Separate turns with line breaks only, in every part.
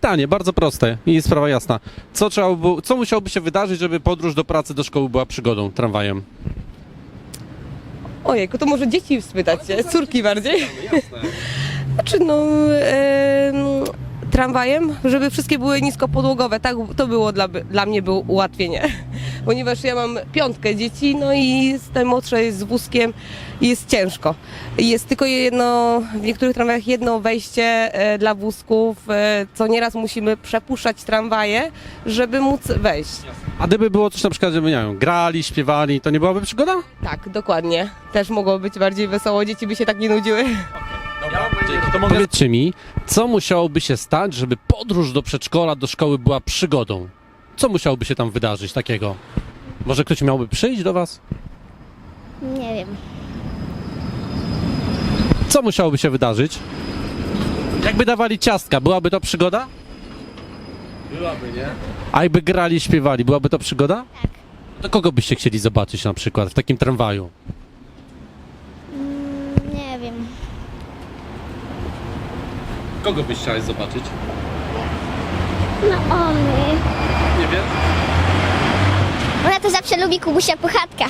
pytanie, bardzo proste i sprawa jasna. Co musiałoby się wydarzyć, żeby podróż do pracy, do szkoły była przygodą tramwajem?
Ojejku, to może dzieci spytać się, córki bardziej. Znaczy tramwajem, żeby wszystkie były niskopodłogowe, tak to było dla mnie było ułatwienie. Ponieważ ja mam 5 dzieci, no i z najmłodszej z wózkiem jest ciężko. Jest tylko w niektórych tramwajach jedno wejście dla wózków, co nieraz musimy przepuszczać tramwaje, żeby móc wejść.
A gdyby było coś na przykład, żeby, nie wiem, grali, śpiewali, to nie byłaby przygoda?
Tak, dokładnie. Też mogło być bardziej wesoło, dzieci by się tak nie nudziły.
Powiedzcie mi, co musiałoby się stać, żeby podróż do przedszkola, do szkoły była przygodą? Co musiałoby się tam wydarzyć takiego? Może ktoś miałby przyjść do was?
Nie wiem.
Co musiałoby się wydarzyć? Jakby dawali ciastka, byłaby to przygoda? Byłaby, nie? A jakby grali, śpiewali, byłaby to przygoda?
Tak.
To kogo byście chcieli zobaczyć na przykład w takim tramwaju?
Nie wiem.
Kogo byś chciałeś zobaczyć?
No ony.
Nie wiem.
Ona to zawsze lubi Kubusia Puchatka.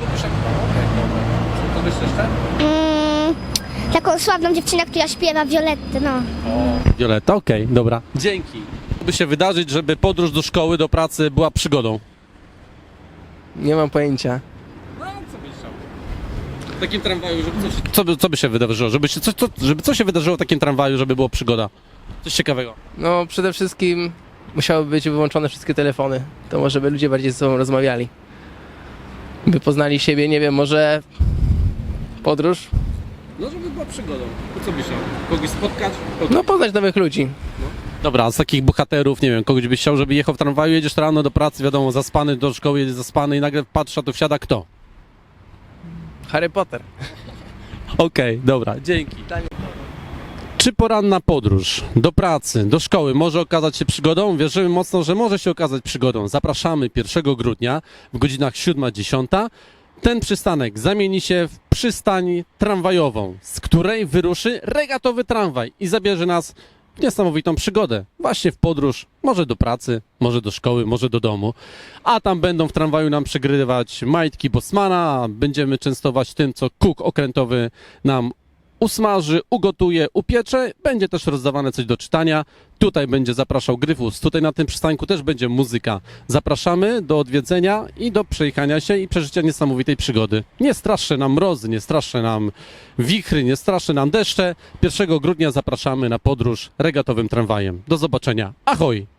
Kogoś jeszcze?
Taką sławną dziewczynę, która śpiewa Violettę, no.
Violetta, okej, dobra. Dzięki. By się wydarzyć, żeby podróż do szkoły, do pracy była przygodą?
Nie mam pojęcia.
No, co byś chciał? W takim tramwaju, żeby coś... Co by się wydarzyło? Żeby co się wydarzyło w takim tramwaju, żeby było przygoda? Coś ciekawego.
No przede wszystkim musiały być wyłączone wszystkie telefony. To może by ludzie bardziej ze sobą rozmawiali. By poznali siebie, nie wiem, może podróż?
No, żeby była przygodą. To co byś chciał? Kogoś spotkać?
No poznać nowych ludzi.
Dobra, a z takich bohaterów, nie wiem, kogoś byś chciał, żeby jechał w tramwaju, jedziesz rano do pracy, wiadomo, zaspany, do szkoły jedzie zaspany i nagle patrz, a tu wsiada kto?
Harry Potter.
Okej, dobra, dzięki. Czy poranna podróż do pracy, do szkoły może okazać się przygodą? Wierzymy mocno, że może się okazać przygodą. Zapraszamy 1 grudnia w godzinach 7-10. Ten przystanek zamieni się w przystań tramwajową, z której wyruszy regatowy tramwaj i zabierze nas w niesamowitą przygodę. Właśnie w podróż, może do pracy, może do szkoły, może do domu. A tam będą w tramwaju nam przygrywać majtki Bosmana, będziemy częstować tym, co kuk okrętowy nam usmaży, ugotuje, upiecze. Będzie też rozdawane coś do czytania. Tutaj będzie zapraszał Gryfus. Tutaj na tym przystanku też będzie muzyka. Zapraszamy do odwiedzenia i do przejechania się i przeżycia niesamowitej przygody. Nie straszcze nam mrozy, nie straszcze nam wichry, nie straszcze nam deszcze. 1 grudnia zapraszamy na podróż regatowym tramwajem. Do zobaczenia. Ahoj!